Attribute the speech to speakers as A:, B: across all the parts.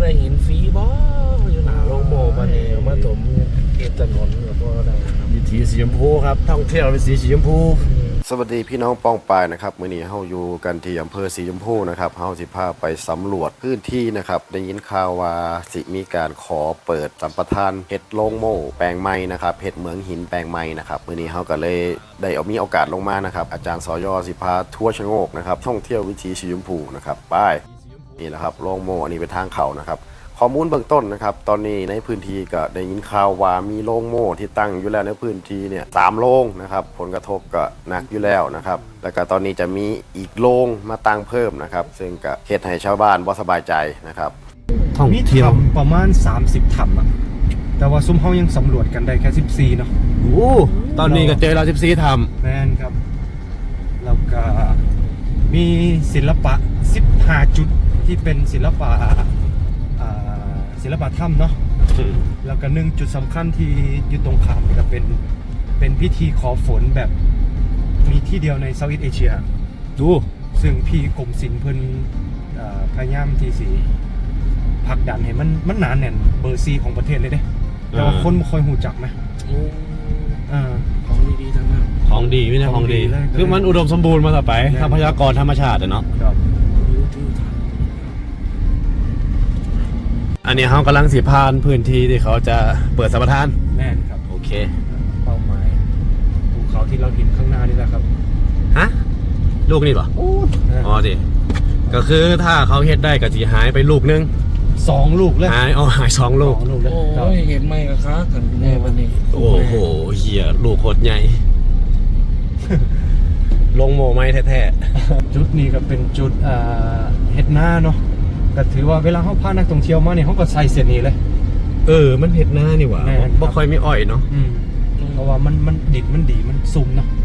A: ได้หินฟรีบ่อยู่หน้าโรงโม่มาเนี่ยมาถมเก็บถนนแล้วก็ได้ครับวิถีสีชมพูครับท่องเที่ยวเป็นสีชมพู
B: สวัสดีพี่น้องป้องปายนะครับมื้อนี้เฮาอยู่กันที่อำเภอสีชมพูนะครับเฮาสิพาไปสำรวจพื้นที่นะครับได้ยินข่าวว่าสิมีการขอเปิดสัมปทานเฮ็ดโรงโม่แปลงใหม่นะครับเฮ็ดเหมืองหินแปลงใหม่นะครับมื้อนี้เฮาก็เลยได้มีโอกาสลงมานะครับอาจารย์สย.สิพาทัวร์ชะโงกนะครับท่องเที่ยววิถีสีชมพูนะครับไปนี่แหละครับโรงโม่อันนี้เป็นทางเข้านะครับข้อมูลเบื้องต้นนะครับตอนนี้ในพื้นที่ก็ได้ยินข่าวว่ามีโรงโม่ที่ตั้งอยู่แล้วในพื้นที่เนี่ย3โรงนะครับผลกระทบก็หนักอยู่แล้วนะครับแล้วก็ตอนนี้จะมีอีกโรงมาตั้งเพิ่มนะครับซึ่งก็เฮ็ดให้ชาวบ้านบ่สบายใจนะครับ
C: ท่องเที่ยวประมาณ30ถ้ำอ่ะแต่ว่าซุ้มเฮายังสำรวจกันได้แค่14เนาะ
B: โอ้ตอนนี้ก็เจอเรา14ถ้ำ
C: แม่นครับแล้วก็มีศิลปะ15จุดที่เป็นศิลปะถ้ำเนาะแล้วก็1จุดสำคัญที่อยู่ตรงข้ามนี่ก็เป็นพิธีขอฝนแบบมีที่เดียวในเซาท์อีสต์เอเชีย
B: ดู
C: ซึ่งพี่กรมศิลป์เพิ่นพยายามที่สิผลักดันให้มันหนาแน่นเบอร์ซีของประเทศเลยเด้แต่ว่าคนไม่ค่อยหูจักนะ
A: ของดีๆทั้งนั้น
B: ของดีไม่ใช่ของดีคือมันอุดมสมบูรณ์มาต่อไปทรัพยากรธรรมชาติเนาะอันนี้เขากำลังสิพานพื้นที่ที่เขาจะเปิดสัมปทาน
C: แน่นครับ
B: โอเค
C: เป้าหมายภูเขาที่เราเห็นข้างหน้านี่แหละครับ
B: ฮะลูกนี่ป่ะอ๋อดิก็คือถ้าเขาเฮ็ดได้ก็จะหายไปลูกนึง
C: 2ลูกเลย
B: หาย2ลูก
A: โอ้ยเห็นไหมกะคะกันแน่วันนี้
B: โอ้โหเหี้ยลูกโคตรใหญ่ลงโมไม้แท้
C: ๆจุดนี้ก็เป็นจุดเฮ็ดหน้าเนาะก็ถือว่าเวลาเขาพานักท่องเที่ยวมาเนี่ยเขาก็ใส่เส้นนี้เลย
B: มันเห็ดหน้านี่หว่าบ่ค่อยมีอ้อยเนาะ
C: เพราะว่ามันดิบมันดีมันซุ่มเนาะ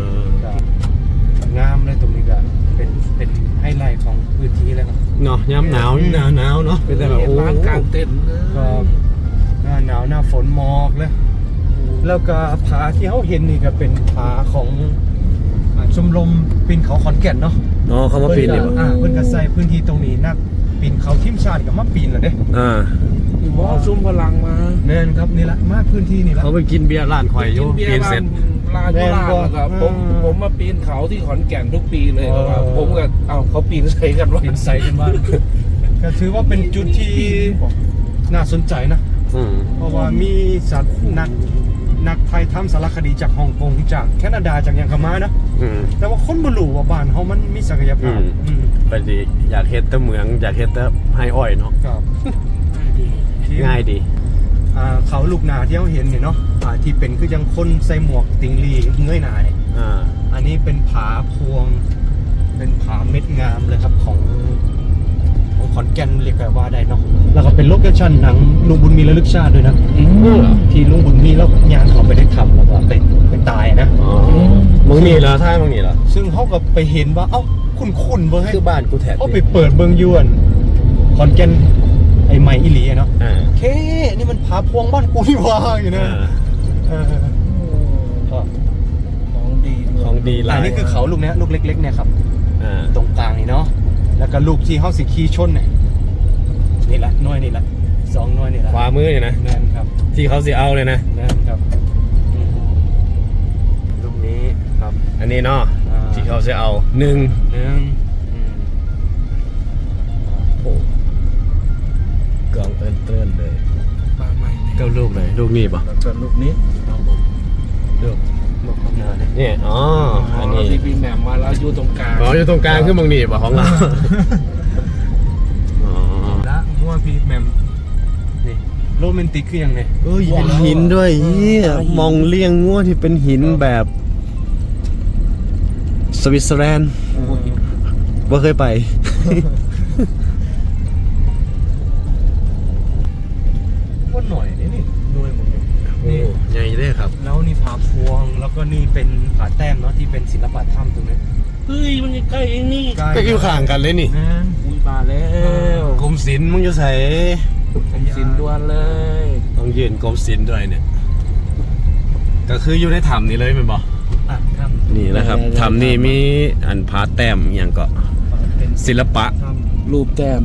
C: งามเลยตรงนี้ก็เป็นไฮไลท์ของพื้นที่เลยครับ
B: เนาะย้ำหนาวเนาะเป็นแบบโอ้
A: กลางเต็นท์
C: ก็หน้าฝนหมอกเลยแล้วก็ผาที่เขาเห็นนี่ก็เป็นผาของชมรมปีนเขาขอนแก่นเนาะ
B: เขามาปีนนี่ป่ะ
C: เพิ่นก็ใส่พื้นที่ตรงนี้นักปีนเขาทีมชาติก็มาปีนแล้วเด้
A: บ่ซุ่มพลังมา
C: แน่นครับนี่แหละมาพื้นที่นี่แหละ
B: เขาไปกินเบียร์ร้านข่อยอยู่ปีนเสร็จ
A: ร้านครับผมมาปีนเขาที่ขอนแก่นทุกปีเลยครับผมก็เขาปีนใส่กันว่า
C: ปีนใส่กันบ้างก็ถือว่าเป็นจุดที่น่าสนใจนะเพราะว่ามีสัตว์นักไทยทำสารคดีจากฮ่องกงจากแคนาดาจากยังคามานะแต่ว่าคนบ่รู้ว่าบ้านเขามันมีศักยภาพ
B: ไปดิอยากเฮ็ดแต่เมืองอยากเฮ็ดแต่ไฮอ้อยเนาะ
C: ครับ
B: ง่ายดี
C: เขาลูกนาที่เราเห็นเนี่ยเนาะที่เป็นคือยังคนใส่หมวกติงลีเงยหน้าเนี่ยอันนี้เป็นผาพวงเป็นผาเม็ดงามเลยครับของขอนแก่นเรียกว่าได้เนาะแล้วก็เป็นโลเคชั่นหนังลุงบุญมีระลึกชาติด้วยนะที่ลุงบุญมีแล้วยางเขาไปได้ทำแล้วก็เป็นตายนะ
B: มึงนี่เหรอท่ามึงนี่เหรอ
C: ซึ่งเขาก็ไปเห็นว่าคุ้นเบอร์ให้
B: คือบ้านกูแถบ
C: เขาไปเปิดเบิงยวนขอนแก่นไอ้ใหม่อิหลีเนาะเคนี่มันผาพวงบ้านกูนี่ว่าอยู่นะ
A: ของดี
C: อันนี้คือเขาลูกนี้ลูกเล็กๆเนี่ยครับตรงกลางนี่เนาะแล้วก็ลูกที่เขาสิขี่ชนเนี่ยนี่แหละน้อยนี่แหละ2น้อยนี่แหละ
B: ขวามือเนี่ยนะ
C: นั่นครับ
B: ที่เขาสิเอาเลยนะ
C: นั่นครับลูกนี้ครับ
B: อันนี้เนาะที่เขาสิเอา1โอ้กองเติ้นเลยเก้าลูกเลยลูกนี้ป่ะ
A: ลูกนี้
B: ลูกนี่อันนี้
A: ที่พี่แหม่มมาแล้วอยู่ตรงกลาง
B: อยู่ตรงกลางคือมึงนี่ป่ะของเรา
C: ละมั่วพี่แหม่มนี่โรแมนติกคือยังไง
B: เป็นหินด้วยมองเลี้ยงงัวที่เป็นหินแบบสวิตเซอร์แลนด์ว่าเคยไป
C: ก็หน่อยนี่ด้วยหมดเลย
B: นี่ใหญ่เลยครับ
C: แล้วนี่ผาพวงแล้วก็นี่เป็นผาแต้มเนาะที่เป็นศิลปะถ้ำตรงนี้
A: เฮ้ยมันใกล้เองนี่
B: ใกล้อยู่ข้างกันเลยนี่
A: อุ้ยมาแล้ว
B: กรมศิลป์มึงจะใส่
A: กรมศิลป์ด่วนเลย
B: ต้องยืนกรมศิลป์ด้วยเนี่ยก็คืออยู่ในถ้ำนี่เลยมันบอกนี่แหละครับถ้ำนี่มีอันผาแต้มอย่างก็ศิลปะ
A: รูปแต้ม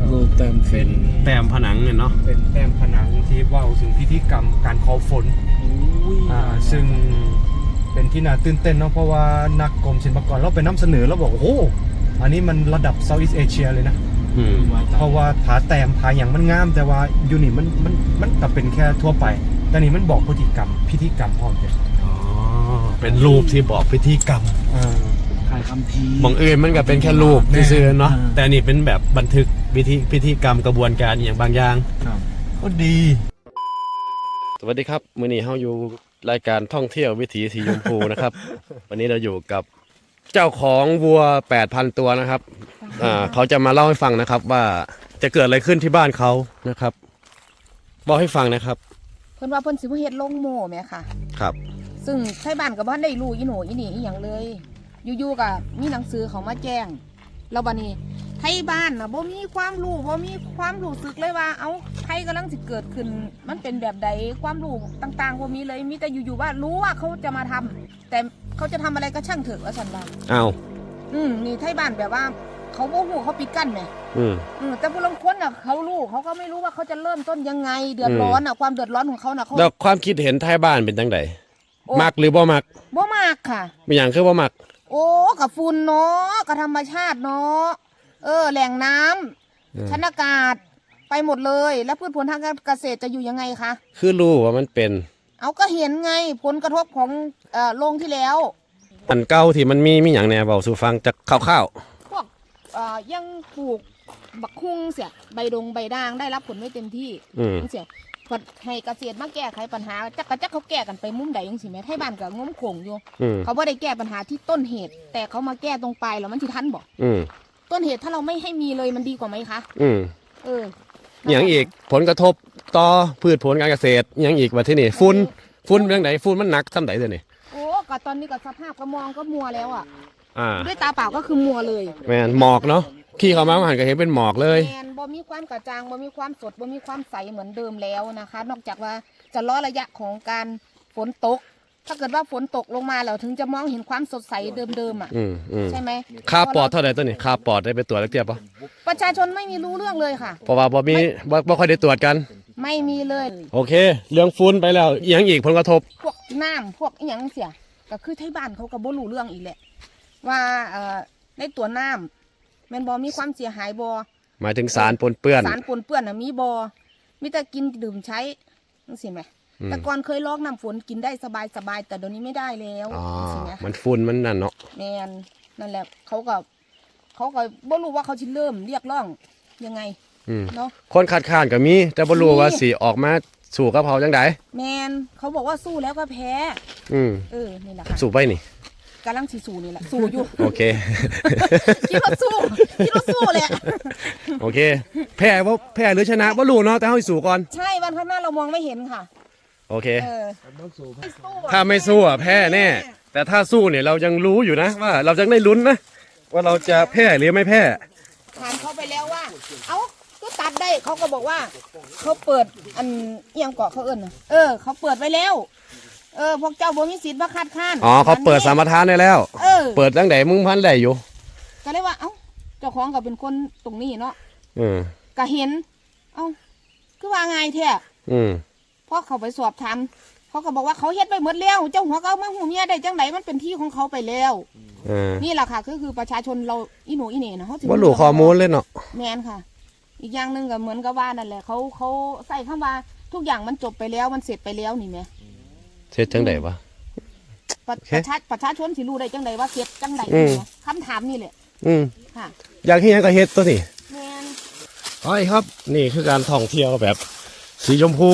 A: รูปแต้ม
C: เป็น
B: แต้มผนังเนี่ยเนาะ
C: เป็นแต้มผนังที่เว่าถึงพิธีกรรมการขอฝนซึ่งเป็นที่น่าตื่นเต้นเนาะเพราะว่านักกรมศิลปากรเราไปนำเสนอแล้วบอกโอ้โหอันนี้มันระดับเซาท์อีสเอเชียเลยนะเพราะว่าผาแต้มผาอย่างมันงามแต่ว่าอยู่นี่มันก็เป็นแค่ทั่วไปแต่นี่มันบอกพิธีกรรมพร้อมกัน
B: เป็นรูปที่บอกพิธีกรรม
A: ถ่ายคำพี
B: บางอื่นมันก็เป็นแค่รูปซื่อๆเนาะแต่นี่เป็นแบบบันทึกพิธีกรรมกระบวนการอย่างบางอย่างก็ดี สวัสดีครับมื้อนี้เฮาอยู่รายการท่องเที่ยววิถีสีชมพูนะครับ วันนี้เราอยู่กับเจ้าของวัว 8,000 ตัวนะครับเขาจะมาเล่าให้ฟังนะครับว่าจะเกิดอะไรขึ้นที่บ้านเขานะครับบอกให้ฟังนะครับ
D: เพิ่นว่าเพิ่นสิบ่เฮ็ดโรงโม่แม่ค่ะ
B: ครับ
D: ซึ่งไทบ้านก็บ่ทันได้รู้อีโหนอีนี่อีหยังเลย อยู่ๆก็มีหนังสือเขามาแจ้งแล้วบัดนี้ไทบ้านน่ะบ่มีความรู้บ่มีความรู้สึกเลยว่าเอ้าไทกำลังสิเกิดขึ้นมันเป็นแบบใดความรู้ต่างๆบ่มีเลยมีแต่อยู่ๆว่ารู้ว่าเขาจะมาทำแต่เขาจะทำอะไรก็ช่างเถอะว่าซั่นว่า
B: อ้าว
D: นี่ไทบ้านแบบว่าเขาบ่ฮู้เขาปิดกั้นแหม แต่ผู้ลางคนน่ะเขารู้เขาก็ไม่รู้ว่าเขาจะเริ่มต้นยังไงเดือดร้อนน่ะความเดือดร้อนของเขาน่ะเขา
B: แล้วความคิดเห็นท้ายบ้านเป็นจังไดมักหรือบ่มัก
D: บ่มากค่ะ
B: มีอย่างคือบ่มัก
D: โอ้กับฝุ่นเนาะกับธรรมชาติเนาะแหล่งน้ำชั้นอากาศไปหมดเลยแล้วพืชผลทางการเกษตรจะอยู่ยังไงคะ
B: คือรู้ว่ามันเป็น
D: เอาก็เห็นไงผลกระทบของโรงที่แล้ว
B: อันเก่าที่มันมีอย่างแหน่เว้าสู่ฟังจากคร่าว
D: พวกยังปลูกบักคุ้งเสียใบดงใบด่างได้รับผลไม่เต็มที่เสียให้เกษตรมาแก้ไขปัญหาจักเขาแก้กันไปมุมใดยังสิแม่ไทบ้านกับงมโขงอยู่เขาไม่ได้แก้ปัญหาที่ต้นเหตุ แต่เขามาแก้ตรงปลายแล้วมันที่ทันบอกต้นเหตุถ้าเราไม่ให้มีเลยมันดีกว่าไหมคะ
B: อย่างอีกผลกระทบต่อพืชผลการเกษตรอย่างอีกว่าที่นี่ฝุ่นเรื่องไหนฝุ่นมันหนักซ้ำไหนตัวนี่
D: โอ้ก็ตอนนี้ก็สภาพก็มองก็มัวแล้วอ่ะด้วยตาเปล่าก็คือมัวเลย
B: แมนหมอกเนาะขี่เข้ามาหันก็เห็นเป็นหมอกเลย
D: แมนบ่มีความกระจ่างบ่มีความสดบ่มีความใสเหมือนเดิมแล้วนะคะ นอกจากว่าจะรอระยะของการฝนตกถ้าเกิดว่าฝนตกลงมาแล้วถึงจะมองเห็นความสดใสเดิมๆอ่ะใช่ไหม
B: ค่าปอดเท่าไหร่ตัวนี้ค่าปอดได้ไปตรวจแล้วเทียบปะ
D: ประชาชนไม่มีรู้เรื่องเลยค่ะ
B: เพราะว่าบ่ค่อยได้ตรวจกัน
D: ไม่มีเลย
B: โอเคเรื่องฝุ่นไปแล้วอย่างอีกผลกระทบ
D: พวกน้ำพวกอีหยังเสียก็คือไทบ้านเขาก็บ่รู้เรื่องอีกแหละว่าในตัวน้ำแมนบอมีความเสียหายบอ
B: หมายถึงสารปนเปื้อน
D: น่ะมีบอมีแต่กินดื่มใช้นั่นสิไหมแต่ก่อนเคยลอกน้ำฝนกินได้สบายแต่เดี๋ยวนี้ไม่ได้แล้ว
B: สิไหมมันฝุ่นมันนั่นเนาะ
D: แมนนั่นแหละเขาก็บ่รู้ว่าเขาจะเริ่มเรียกร้องยังไง
B: เนาะคนคัดค้านก็มีแต่บ่รู้ว่าสิออกมาสู้กับเขาจังได
D: แมนเขาบอกว่าสู้แล้วก็แพ้นี่แหละค่ะ
B: สู้ไปนี่
D: กำลังสู้นี่แหละสู้อยู่
B: โอเค
D: คิดว่าสู้แหละ
B: โอเคแพ้หรือชนะว่ารู้เนาะแต่เขาสู้ก่อน
D: ใช่วันข้างหน้าเรามองไม่เห็นค่ะ
B: โอเคถ้าไม่สู้แพ้แน่แต่ถ้าสู้เนี่ยเรายังรู้อยู่นะว่าเราจะได้ลุ้นนะว่าเราจะแพ้หรือไม่แพ้
D: ถามเขาไปแล้วว่าเอ้าก็ตัดได้เขาก็บอกว่าเขาเปิดอันยังเกาะเขาเขาเปิดไว้แล้วพวกเจ้าบ่มีสิทธิ์มาคัดค้าน
B: เขาเปิดสามทานได้แล้วเปิดตั้งแต่มึงพันได้อยู่
D: ก็เลยว่าเอ้าเจ้าของก็เป็นคนตรงนี้เนาะก็เห็นเอ้าคือว่าไงแท้พอเขาไปสอบถามเขาก็บอกว่าเขาเฮ็ดไปหมดแล้วเจ้าหัวก็มาหูเมียได้จังไหนมันเป็นที่ของเขาไปแล้วนี่แหละค่ะคือประชาชนเราอีโหนอีเหน่นะเขา
B: ว่าหลูข้อมูลเลยเนาะ
D: แมนค่ะอีกอย่างหนึ่งก็เหมือนกับว่านั่นแหละเขาใส่คำว่าทุกอย่างมันจบไปแล้วมันเสร็จไปแล้วนี่แม่
B: เสร็จจังไดวะ
D: ประชาชนสิรู้ได้จังไดว่าเสร็จจังไดคำถามนี่แหละ
B: ค่ะอยากเฮ็ดก็เฮ็ดตัวนี่แม่นอ๋อครับนี่คือการท่องเที่ยวแบบสีชมพู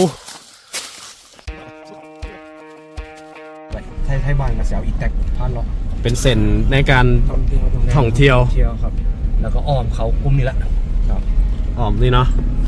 C: ไทบ้านกับเสียวอีแตกพานเลาะ
B: เป็นเส้นในการท่องเที่ยว
C: ครับแล้วก็อ้อมเขากลุ่มนี่แหละครับ
B: อ้อมนี่เนาะฟู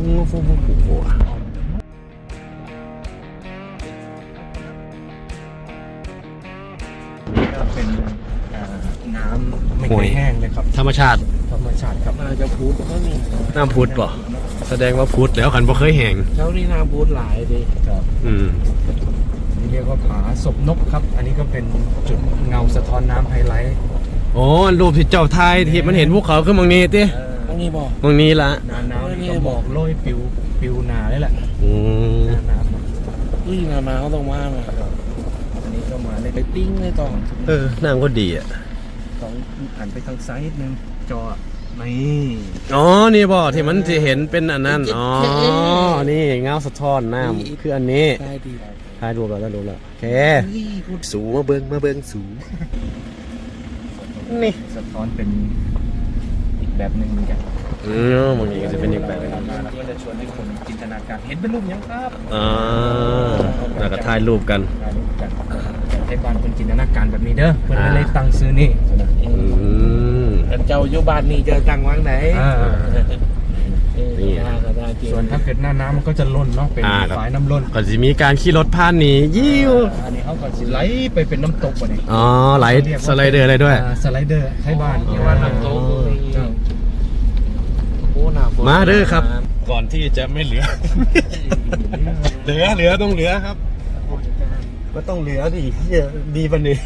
C: เป็นน้ำไม่เคยแห้งเลยครับ
B: ธรรมชาติ
C: ครับ
A: น่าจะพุทธก็มี
B: น้ำพุทธป่ะแสดงว่าพุทธแล้วขันบ่เคยแห้ง
A: แล้วนี่น้ำพุทธหลายดิ
C: ครับนี่เรียกว่าผาศพนกครับอันนี้ก็เป็นจุดเงาสะท้อนน้ำไฮไลท์
B: โอ้รูปที่เจ้าไทยที่มันเห็นภูเขาขึ้นบางนี้ติ
A: โอ้นี่บอก
B: ตรงนี้ละ
C: หนาหนาวนี่ก็หมอกโรยปิวหนาเลยแหละ
B: อืม
C: หน้าหนาว
A: นาเขาต้องมาครับ
C: อันนี้ก็มาเลย
A: ไปปิ้งเลยต่อ
B: นั่งก็ดีอ่ะ
C: ต้องหันไปทางซ้ายนิดนึงจอนี่
B: อ๋อนี่บ่ที่มันจะเห็นเป็นอันนั้นอ๋อนี่เงาสะท้อนน้ำคืออันนี้
A: ได้ดี
B: ถ่ายรูปแล้วโอเคสูงมาเบิ่งสูงนี่
C: สะท้อนเป็นอีกแบบหนึ่งเหมือนกัน
B: บางทีก็จะเป็นอีกแบบนึง
C: มาแล้วก็จะชวนให้คนจินตนาการเห็นเป็นรูปยังครับ
B: แล้วก็ถ่ายรูปกัน
C: ถ่ายรูปกันให้บ้านคนจินตนาการแบบนี้เด้อเพื่อนก็เลยตั้งซื้อนี่
A: กันเจ้าอยู่บ้านนี่จะตั้งวางไหน
B: นี่
C: ส่วนถ้าเกิดหน้าน้ำมันก็จะล้นเนาะเป็น
B: ครับ
C: ฝายน้ำล้น
B: ก็จะมีการขี่รถผ่านนี่ยิ้ว
C: อันนี้เขาก็สิไหลไปเป็นน้ำตกว่ะนี่
B: อ๋อไหลสไลเดอร์อะไรด้วย
C: สไลเดอร์ให้บ้าน
A: ที่ว่าน้ำโต๊ะโอ้หนาฝน
B: มาเด้อครับ ก่อนที่จะไม่เหลือ เหลือต้องเหลือครับ ก็ต้องเหลือดิดีปะนี่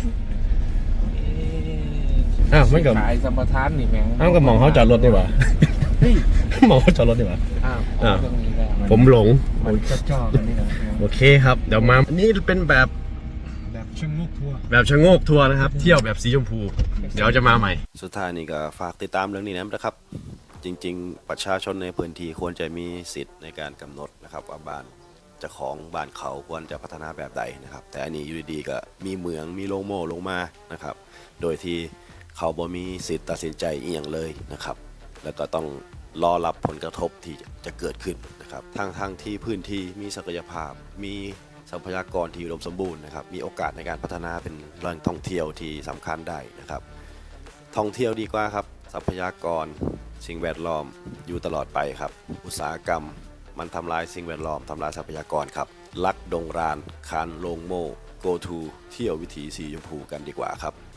B: มันกับ
A: ขายสัมปทานนี่แม่ง
B: กับมองเขาจอดรถดีกว่าหมองเขาจอดรถดีกว่า
A: อ้าวตรงนี้แล้ว
B: ผมหลง
C: มันจ่อๆกันนี่นะ
B: โอเคครับ เดี๋ยวมาอันนี้เป็นแบบ
C: แบบชะงกทัวร์
B: แบบชะโงกทัวร์นะครับ เที่ยวแบบสีชมพู เดี๋ยวจะมาใหม่ สุดท้ายนี่ก็ฝากติดตามเรื่องนี้นะครับ จริงๆ ประชาชนในพื้นที่ควรจะมีสิทธิ์ในการกำหนดนะครับว่าบ้านเจ้าของบ้านเขาควรจะพัฒนาแบบใดนะครับ แต่อันนี้อยู่ดีๆก็มีเหมืองมีโรงโม่ลงมานะครับ โดยที่เขาบ่มีสิทธิ์ตัดสินใจอีกอย่างเลยนะครับ แล้วก็ต้องรอรับผลกระทบที่จะเกิดขึ้นนะครับทางที่พื้นที่มีศักยภาพ มีทรัพยากรที่อุดมสมบูรณ์นะครับ มีโอกาสในการพัฒนาเป็นแหล่งท่องเที่ยวที่สำคัญได้นะครับ ท่องเที่ยวดีกว่าครับ ทรัพยากรสิ่งแวดล้อมอยู่ตลอดไปครับ อุตสาหกรรมมันทำลายสิ่งแวดล้อมทำลายทรัพยากรครับลักดงรานคานโลงโม่ go to เที่ยววิถีสีชมพูกันดีกว่าครับ